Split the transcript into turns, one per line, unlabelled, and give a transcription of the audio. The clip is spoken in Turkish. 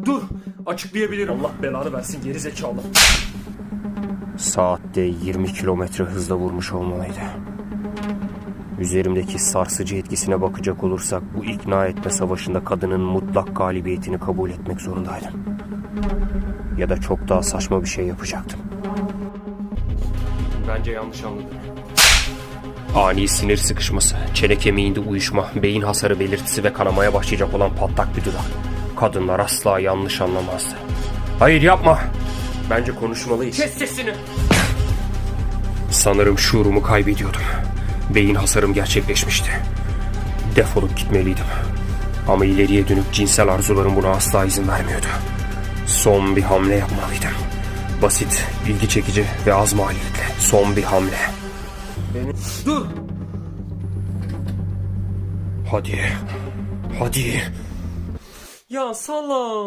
Dur, açıklayabilirim. Allah belanı versin geri zekalı.
Saatte 20 kilometre hızla vurmuş olmalıydı. Üzerimdeki sarsıcı etkisine bakacak olursak bu ikna etme savaşında kadının mutlak galibiyetini kabul etmek zorundaydım. Ya da çok daha saçma bir şey yapacaktım.
Bence yanlış anladın.
Ani sinir sıkışması, çene kemiğinde uyuşma, beyin hasarı belirtisi ve kanamaya başlayacak olan patlak bir dudak. Kadınlar asla yanlış anlamazdı. Hayır yapma! Bence konuşmalıyız.
Kes sesini!
Sanırım şuurumu kaybediyordum. Beyin hasarım gerçekleşmişti. Defolup gitmeliydim. Ama ileriye dönük cinsel arzularım buna asla izin vermiyordu. Son bir hamle yapmalıydım. Basit, ilgi çekici ve az maliyetle. Son bir hamle.
Dur!
Hadi. Hadi.
Ya salla!